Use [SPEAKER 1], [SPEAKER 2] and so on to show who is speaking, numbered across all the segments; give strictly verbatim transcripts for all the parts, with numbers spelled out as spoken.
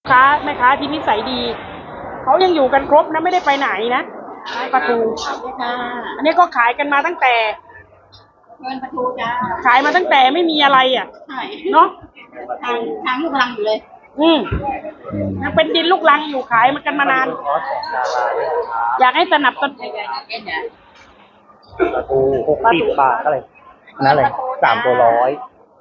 [SPEAKER 1] ค้าแม่ค้าที่นิสัยดีเขายังอยู่กันครบนะไม่ได้ไปไหนนะปลาทูอันนี้ก็ขายกันมาตั้งแต่เงินปลาทูจ้าขายมาตั้งแต่ไม่มีอะไรอ่ะใช่เนาะทางทางลูกรังอยู่เลยอืมยังเป็นดินลูกรังอยู่ขายมากันมานานอยากให้สนับสนุน
[SPEAKER 2] ปลาทูหกสิบบาทอะไรนั่นเลยสามตัวร้อย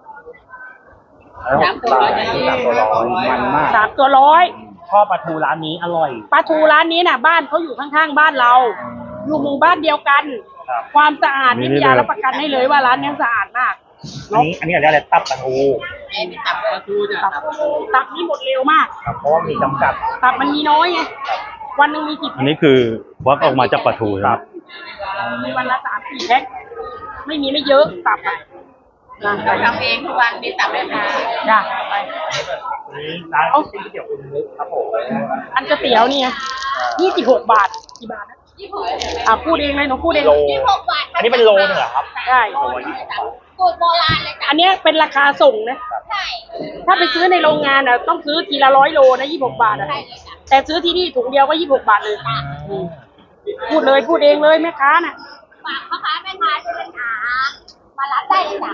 [SPEAKER 2] สามตัวร้อยสามตัวร้อยมันมาก
[SPEAKER 1] สามตัวร้อย
[SPEAKER 2] ชอบปลาทูร้านนี้อร่อย
[SPEAKER 1] ปลาทูร้านนี้น่ะบ้านเขาอยู่ข้างๆบ้านเราอยู่หมู่บ้านเดียวกันความสะอาดนี่พี่ยารับประกันให้เลยว่าร้านนี้สะอาดมาก
[SPEAKER 2] อันนี้อันนี้อะไรตับปลาทู
[SPEAKER 1] ตับปลาทูจ้ะตับนี่หมดเร็วมาก
[SPEAKER 2] เพราะว่ามีจำกัด
[SPEAKER 1] ตับมันมีน้อยไงวันหนึ่งมีกี่
[SPEAKER 3] อันนี้คือวักออกมาจากปลาทูครับ
[SPEAKER 1] มีวันละสามสี่แพ็คไม่มีไม่เยอะตับเราทำเองทุกวันมีตับเลยค่ะจ้ะไป
[SPEAKER 2] ร้านก๋วยเตี๋ยวอุ่นนึกครับผม
[SPEAKER 1] อันก๋วยเตี๋ยวนี่ยี่สิบหกบาทกี่บาทนะยี่สิบหกอ่ะพูดเองเลยหนูพูดเอง
[SPEAKER 2] ยี่สิบหกบาทอันนี้เป็นโลนึงเหรอครับ
[SPEAKER 1] ใช่
[SPEAKER 4] สูตรโบราณเลยจ้ะ
[SPEAKER 1] อันนี้เป็นราคาส่งนะใช่ถ้าไปซื้อในโรงงานอ่ะต้องซื้อทีละร้อยโลนะยี่สิบหกบาทอ่ะแต่ซื้อที่นี่ถุงเดียวก็ยี่สิบหกบาทเลยพูดเลยพูดเองเลยแม่ค้าน่ะ
[SPEAKER 4] ฝากพ่อค้าแม่ค้าช่วยกันหามารับได้เลยจ้ะ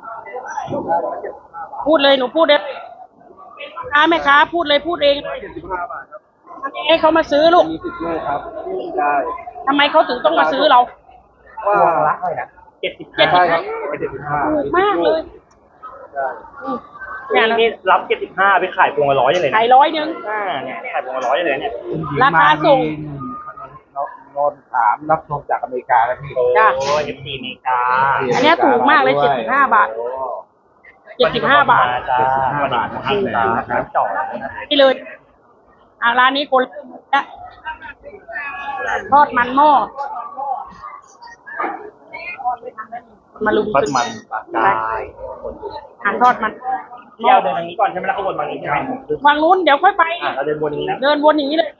[SPEAKER 1] พูดเลยหนูพูดเลยค้าแม่ค้าพูดเลยพูดเองทำไมให้เขามาซื้อลูก
[SPEAKER 2] มีสิบโลครับได้
[SPEAKER 1] ทำไมเขาถึงต้องมาซื้อเรา
[SPEAKER 2] ว่ารักเลยนะเจ็ดสิบห้าครับเจ็ดสิบห้า
[SPEAKER 1] ถูกมากเลย
[SPEAKER 2] งานนี้รับเจ็ดสิบห้าไปขายพวงละร้อยเลย
[SPEAKER 1] ขายร้อยนึง
[SPEAKER 2] อ่าเนี่ยขายพวงละร้อยเลยเนี่ย
[SPEAKER 1] ราคาส่ง
[SPEAKER 2] นอนถามรับชมจากอเมริกาแล้วพี่โอ้ยเอฟซีอเมริกา
[SPEAKER 1] อันนี้ถูกมากเลยเจ็ดสิบห้าบาทเจ็ดสิบห้าบาท
[SPEAKER 2] เจ็ดสิบห้าบาทนะครับจ่อ
[SPEAKER 1] นี่เลยอ่าร้านนี้คนละทอดมันหม้อมาลุม
[SPEAKER 2] ทอดมันปลากาย
[SPEAKER 1] หางทอดมัน
[SPEAKER 2] เที่ยวเดินทางนี้ก่อนใช่ไหมล่ะขบวนมานี้ใช่ไหม
[SPEAKER 1] วางนู้นเดี๋ยวค่อยไป
[SPEAKER 2] เราเดินวนนี้นะ
[SPEAKER 1] เดินวนอย่างนี้เลย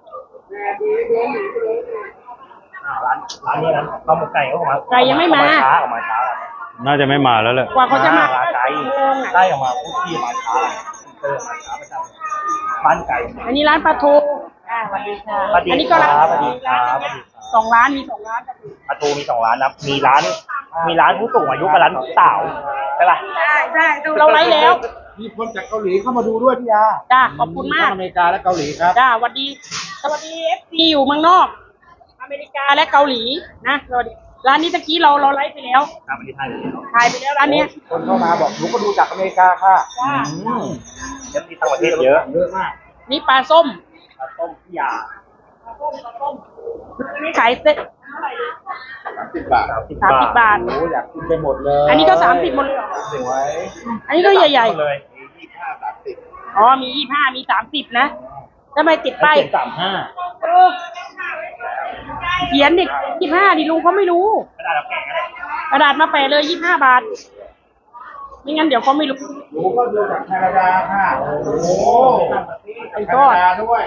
[SPEAKER 2] ร้านร้านนี้นะข้าวหมกไก่เขาออกมา
[SPEAKER 1] ไก่ยังไม่มา
[SPEAKER 2] ช้าออกมาช้า
[SPEAKER 3] น่าจะไม่มาแล้วแหละ
[SPEAKER 1] กว่าเขาจะมา
[SPEAKER 2] ไก่ไก่ออกมาพูดที่มาช้าเออมาช้าประจำบ้านไก่
[SPEAKER 1] อันนี้ร้านปลาทูอ่าสวัสดีค่ะอันนี้ก็ร้าน
[SPEAKER 2] สวัสดีครับ
[SPEAKER 1] สองร้านมีสองร้าน
[SPEAKER 2] ปลาทูมีสองร้านนะมีร้านมีร้านผู้สูงอายุกับร้านสาวใช่ป่ะ
[SPEAKER 1] ใช่ใช่ดูเราไลฟ์แล้ว
[SPEAKER 2] มีคนจากเกาหลีเข้ามาดูด้วยพี่ยา
[SPEAKER 1] จ้าขอบคุณมาก
[SPEAKER 2] อเมริกาและเกาหลีครับ
[SPEAKER 1] จ้าสวัสดีสวัสดีเอฟซีอยู่เมืองนอกอเมริกาและเกาหลีนะสวัสดีร้านนี้ตะกี้เราเราไลฟ์ไปแล้ว
[SPEAKER 2] ครับวันนี้ถ่ายไปแล้ว
[SPEAKER 1] ถ่ายไปแล้วร้านนี้
[SPEAKER 2] คนเข้ามาบอกหนูก็ดูจากอเมริกาค่ะจ้าเอฟซีต่างประเทศเยอะเยอะมาก
[SPEAKER 1] นี่ปลาส้ม
[SPEAKER 2] ปลาส้มพี่ยา
[SPEAKER 1] ปลาส้มปลาส้มนี่ขายเซ็ต
[SPEAKER 2] สามสิบบาท
[SPEAKER 1] สามสิบบาท
[SPEAKER 2] โอ้อยากกินไปหมดเลย
[SPEAKER 1] อันนี้ก็สามสิบหมดเลย
[SPEAKER 2] สวย
[SPEAKER 1] อันนี้ก็ใหญ่
[SPEAKER 2] ๆเลยยี่สิบห้าสามสิบ
[SPEAKER 1] อ๋อมียี่สิบห้ามีสามสิบนะทำไมติดป้าย
[SPEAKER 2] สามห้า
[SPEAKER 1] เขียนดิยี่สิบห้าดิลุงเขาไม่รู้
[SPEAKER 2] กระดาษแกะ
[SPEAKER 1] กระดาษมาแปะเลยยี่สิบห้าบาทไม่งั้นเดี๋ยวเขาไม่รู้
[SPEAKER 2] รู้ก็ดูจากแคนาดาค่ะโอ้โห
[SPEAKER 1] ไก่ทอด
[SPEAKER 2] ด้วย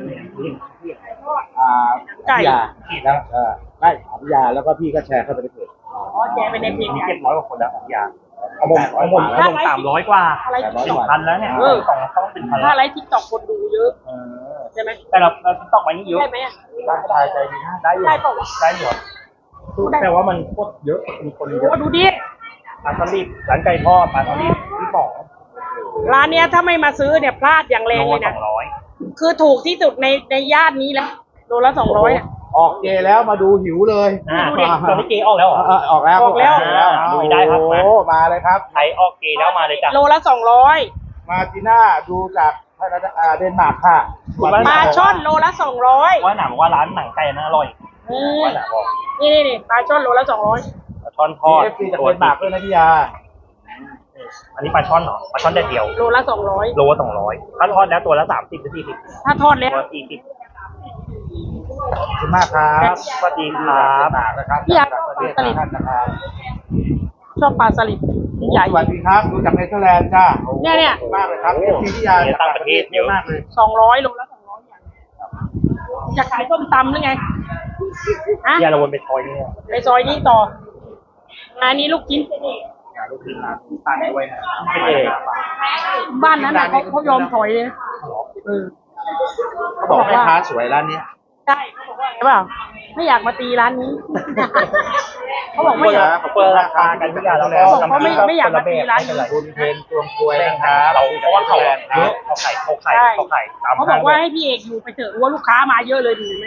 [SPEAKER 2] อ่าไก่แล้วเออไก่ถามยาแล้วก็พี่ก็แชร์เข้าไปในเพจ
[SPEAKER 1] อ๋อแชร์ไปในเพจ
[SPEAKER 2] มีเจ็ดร้อยกว่าคนแล้วของยาเอาผมเอาผมเอาผมสามร้อยกว่าสองพันแล้วเนี่ยเออสองต้องเป็นพัน
[SPEAKER 1] ถ้าไลฟ์ทิกตอกคนดูเยอะใช่ไหม
[SPEAKER 2] แต่เราเราทิกตอกมานี่เยอะ
[SPEAKER 1] ได้ไหม
[SPEAKER 2] ได้ได้ใจดีนะได้อยู่ได้ป่าวได้อยู่แต่ว่ามันโคตรเยอะมีคนเยอะ
[SPEAKER 1] ดูดิ
[SPEAKER 2] ปลาสลิดร้านไก่ทอดปลาสลิดที่ป๋อง
[SPEAKER 1] ร้านเนี้ยถ้าไม่มาซื้อเนี่ยพลาดอย่างแรงเลยนะคือถูกที่สุดในในย่านนี้แล้วโลละสองร้อยเนี่ย
[SPEAKER 2] ออกเจแล้วมาดูหิวเลย
[SPEAKER 1] ดูดิ
[SPEAKER 2] ตอนนี้เจออกแล้วเหรอออกแล้ว
[SPEAKER 1] ออกแล้ว
[SPEAKER 2] ดูได้ครับโอ้มาเลยครับใครออกเจแล้วมาเลยจ้ะ
[SPEAKER 1] โลละสองร้อย
[SPEAKER 2] มาจีน่าดูจากเดนมาร์กค่ะ
[SPEAKER 1] ปลาช่อนโลละสองร้อย
[SPEAKER 2] ว่าหนังว่าร้านหนังไก่น่าอร่อย
[SPEAKER 1] นี่นี่นี่ปลาช่อนโลละสองร้อย
[SPEAKER 2] ปลาช่อนทอดตัวเดนมาร์กด้วยนะพี่ยาอันนี้ปลาช่อนเหรอปลาช่อนแดดเดียว
[SPEAKER 1] โลละสองร้อย
[SPEAKER 2] โลละสองร้อยถ้าทอดแล้วตัวละสามสิบหรือสี่สิบ
[SPEAKER 1] ถ้าทอดแล้ว
[SPEAKER 2] ตัวสี่สิบขอบคุณมากครับสวัสดีครับ
[SPEAKER 1] พี่อยากปลาสลิดชอบปลาสลิดใหญ่
[SPEAKER 2] สวัสดีครับดูจากเนเธอร์แลนด์จ้า
[SPEAKER 1] เนี่ยเนี่ย
[SPEAKER 2] มากเลยครับพี่พี่ยาต่างประเทศเยอะมากเลย
[SPEAKER 1] สองร้อยโลละสองร้อยอย่างอยากขายส้มตำหรือไง
[SPEAKER 2] ฮะพี่ยาเราวนไปซอยนี้
[SPEAKER 1] ไปซอยนี้ต่ออันนี้ลูกชิ้นเจนี่
[SPEAKER 2] ลูกชิ้นร้านตั้งด้วยนะพี่เอก
[SPEAKER 1] บ้านนั้นน่ะเขาเขายอมถอยเลยนะเออ
[SPEAKER 2] เขาบอกแม่ค้าสวยร้านเนี้ย
[SPEAKER 1] ใช่เขาบอกว่าไงเปล่าไม่อยากมาตีร้านนี้ เขาบอกไม่อยาก
[SPEAKER 2] เขาเปิดราคากันทุกอย่างแล้ว
[SPEAKER 1] เขาบอกเขาไม่ไม่อยากมาตีร้านนี้
[SPEAKER 2] คุณเพนตวงกล้วยนะครับเราเพราะว่าเขาเยอะเขาไข่เขาไข่เขาไข่ตาม
[SPEAKER 1] เขาบอกว่าให้พี่เอกอยู่ไปเถอะว่าลูกค้ามาเยอะเลยดีไหม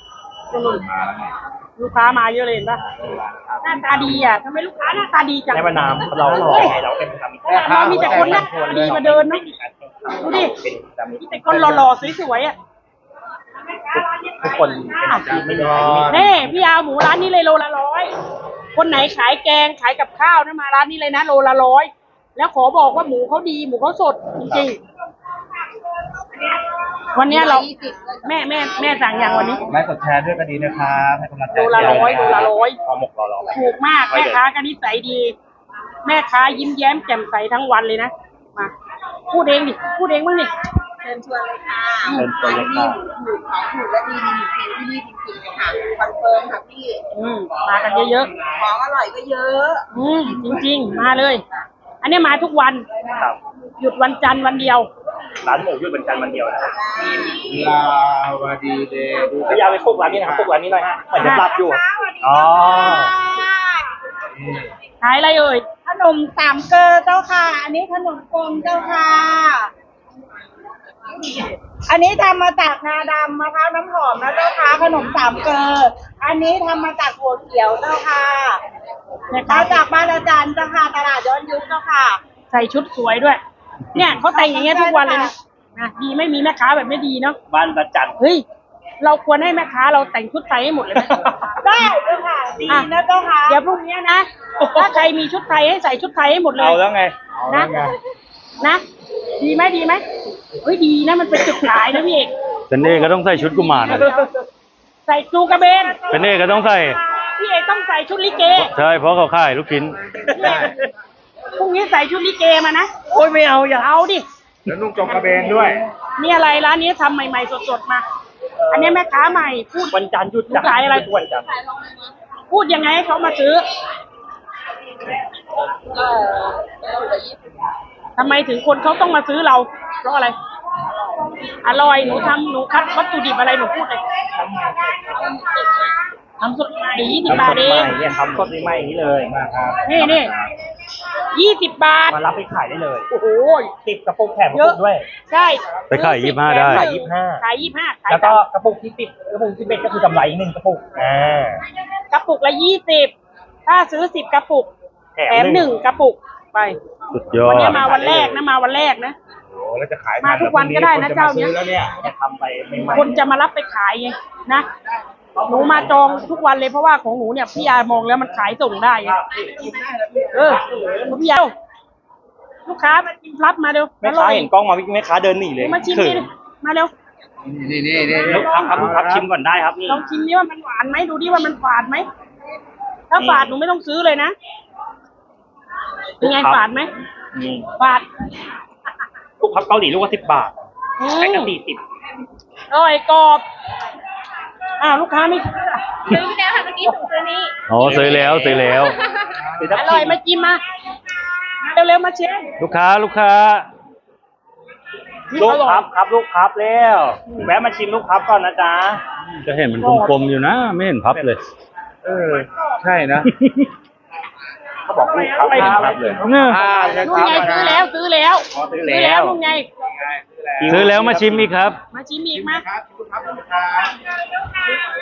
[SPEAKER 1] ลูกค้ามาเยอะเลยเห็นปะหน้าตาดีอ่ะทำไมลูกค้าหน้าตาดีจัง
[SPEAKER 2] ในวันนามเราหล่อไงเราเป็นทำ
[SPEAKER 1] เรามีแต่คนหน้าตาดีมาเดินเนาะดูดิมีแต่คนหล่อๆสวยๆอ่ะ
[SPEAKER 2] ทุกคนไม่ยอม
[SPEAKER 1] เน่พี่เอาหมูร้านนี้เลยโลละร้อยคนไหนขายแกงขายกับข้าวนะมาร้านนี้เลยนะโลละร้อยแล้วขอบอกว่าหมูเขาดีหมูเขาสดจริงๆวันนี้เราแม่แม่แม่สั่งอย่างวันนี้
[SPEAKER 2] ไลค์กดแชร์ด้วยก็ดีนะครับให้กำลังใจ
[SPEAKER 1] โลละร้อยโลละร้อย
[SPEAKER 2] พอหมกรอรอ
[SPEAKER 1] ถูกมากแม่ค้าก็นิสัยดี แม่ค้ายิ้มแย้มแจ่มใสทั้งวันเลยนะมาพูดเองดิพูดเองบ้างดิ
[SPEAKER 4] เชิญชวนเลยค่ะ
[SPEAKER 2] เป็นตัวเล็ก
[SPEAKER 4] นี่ถูกของถูกและดีมีอยู่จริงที่นี่จริงๆเลยค่ะคอนเฟิร์มค่ะพี่
[SPEAKER 1] อืมมากันเยอะ
[SPEAKER 4] ของอร่อยก็เยอะ
[SPEAKER 1] ๆอืมจริงๆ มาเลย อันนี้มาทุกวัน
[SPEAKER 2] ครับ
[SPEAKER 1] หยุดวันจันทร์วันเดียว
[SPEAKER 2] ร้านหมูหยุดวันจันทร์วันเดียวนะครับ
[SPEAKER 5] ลาวดีเดย์
[SPEAKER 2] พยายามไปพวกร้านนี้นะครับพวกร้านนี้หน่อยเหมือนจะรับอยู่อ๋อ
[SPEAKER 1] ขายอะไรเอ่ย
[SPEAKER 6] ขนมสามเกลอเจ้าค่ะ อันนี้ขนมกลมเจ้าค่ะ อันนี้ทำมาจากงาดำมะพร้าวน้ำหอมนะเจ้าค่ะ ขนมสามเกลออันนี้ทำมาจากหัวเขียวเจ้าค่ะมาจากบ้านอาจารย์เจ้าค่ะตลาดย้อนยุคเจ้าค่ะ
[SPEAKER 1] ใส่ชุดสวยด้วย เนี่ยเขาแต่งอย่างเงี้ยทุกวันเลยนะนะดีไม่มีแม่ค้าแบบไม่ดีเนาะ
[SPEAKER 2] บ้านประจันทร์
[SPEAKER 1] เฮ้ย เราควรให้แม่ค้าเราแต่งชุดไทยให้หมดเลยไหม
[SPEAKER 6] ได้เจ้าค่ะ ดีนะเจ้าค่ะ
[SPEAKER 1] เดี๋ยวพรุ่งนี้นะ ถ้าใครมีชุดไทยให้ใส่ชุดไทยให้หมดเลย
[SPEAKER 2] เอาแล้วไง
[SPEAKER 1] นะ นะ ดีไหมดีไหมเฮ้ยดีนะมันเป็นจุดขายนะพี่เอก
[SPEAKER 3] เป็นเอกก็ต้องใส่ชุดกุมารนะ
[SPEAKER 1] ใส่จูกระเบน
[SPEAKER 3] เป็นเอกก็ต้องใส่
[SPEAKER 1] พี่เอกต้องใส่ชุดลิเก
[SPEAKER 3] ใช่เพราะเขาขายลูกชิ้น
[SPEAKER 1] พี่เอกพรุ่งนี้ใส่ชุดลิเกมานะ
[SPEAKER 2] โอ้ยไม่เอาอย่า
[SPEAKER 1] เอาดิ
[SPEAKER 5] แล้วนุ่งจงกระเบนด้วย
[SPEAKER 1] นี่อะไรร้านนี้ทำใหม่ๆสดๆมา อันนี้แม่ค้าใหม่พูด
[SPEAKER 2] วันจันทร์หยุด
[SPEAKER 1] ขายอะไร
[SPEAKER 2] ทุกวันจันทร์
[SPEAKER 1] พูดยังไงให้เขามาซื้อทำไมถึงคนเขาต้องมาซื้อเรา เพราะอะไร อร่อยหนูทำหนูคัดวัตถุดิบอะไรหนูพูดเลยทำสดใหม่ยี่สิบบาทเอง
[SPEAKER 2] เนี่ยทำสดใหม่อย่างนี้เลยมาครับ
[SPEAKER 1] นี่นี่ยี่สิบบาท
[SPEAKER 2] มารับไปขายได้เลย
[SPEAKER 1] โอ้โห
[SPEAKER 2] ติดกระปุกแถมก
[SPEAKER 1] เย
[SPEAKER 2] ระ
[SPEAKER 1] อะ
[SPEAKER 2] ปุกด้วย
[SPEAKER 1] ใช่
[SPEAKER 3] ไปขายยี่สิบห้าได้
[SPEAKER 2] ขายยี่สิบห้า
[SPEAKER 1] ขายยี่สิบห้าขาย
[SPEAKER 2] แล้วก็กระปุกที่ติดกระปุกที่เบ็ดก็คือกำไรอีกหนึ่งกระปุกอ่าก
[SPEAKER 1] ระปุกละยี่สิบถ้าซื้อสิบกระปุก
[SPEAKER 2] แถ
[SPEAKER 1] แถมหนึ่งกระปุกไป
[SPEAKER 3] สุดยอ
[SPEAKER 1] วัน
[SPEAKER 3] ด
[SPEAKER 1] นี้มาวันแรกนะมาวันแรกนะ
[SPEAKER 5] โอ้แล้วจะขาย
[SPEAKER 1] มาทุกวันก็ได้นะเจ้าเนี้ย
[SPEAKER 5] แล้วเนี่ย
[SPEAKER 2] จะทำไปใหม่ๆ
[SPEAKER 1] คนจะมารับไปขายไงนะหนูมาจองทุกวันเลยเพราะว่าของหนูเนี่ยพี่ยามองแล้วมันขายส่งได้ไงเออพี่ยาลูกค้ามาชิมรับมาเร็ว
[SPEAKER 2] แม่ค้าเห็นกล้องมาแม่ค้าเดินหนีเลย
[SPEAKER 1] มาชิมดิมาเร็ว
[SPEAKER 5] นี่นี่นี่
[SPEAKER 2] ลูกค้าครับลูกค้าชิมก่อนได้ครับนี่
[SPEAKER 1] ลองชิมดิว่ามันหวานไหมดูดิว่ามันฝาดไหมถ้าฝาดหนูไม่ต้องซื้อเลยนะเป็นไงฝาดไหม
[SPEAKER 2] นี่
[SPEAKER 1] ฝาด
[SPEAKER 2] ลูกพับเกาหลีลูกละสิบบาท
[SPEAKER 1] อื
[SPEAKER 2] ใช้กัน
[SPEAKER 1] ม
[SPEAKER 2] สี่สิบ
[SPEAKER 1] อร่อยกรอบอ้าวลูกค้าไม่ซื้ออะ
[SPEAKER 4] ซื้อไปแล้วค่ะเมื่อกี้ถูกตัวนี้
[SPEAKER 3] อ๋อซื้อแล้วซื้อแล้ว
[SPEAKER 1] อร่อยมาจิ้มมาเร็วๆมาเช็ค
[SPEAKER 3] ลูกค้าลูกค้า
[SPEAKER 2] ลูกพับครับลูกพับแล้วแวะมาชิมลูกพับก่อนนะจ๊ะ
[SPEAKER 3] จะเห็นมันกลมๆอยู่นะ ไม่เห็นพับเลย
[SPEAKER 5] เออ ใช่นะ
[SPEAKER 2] เขาบอกลูกพับ
[SPEAKER 1] ไม่
[SPEAKER 2] พับเลย
[SPEAKER 3] เนี่ย
[SPEAKER 5] อ่าใช่
[SPEAKER 1] นู่
[SPEAKER 5] คน รับ
[SPEAKER 1] ไงซื้อแล้วซื้อแล้ว
[SPEAKER 2] อ๋อซื้อแล้ว
[SPEAKER 1] นู่นไง
[SPEAKER 3] ซื้อแล้วมาชิมอีกครับ
[SPEAKER 1] มาชิมอีกมา
[SPEAKER 5] ครับคุณครับคุณครับ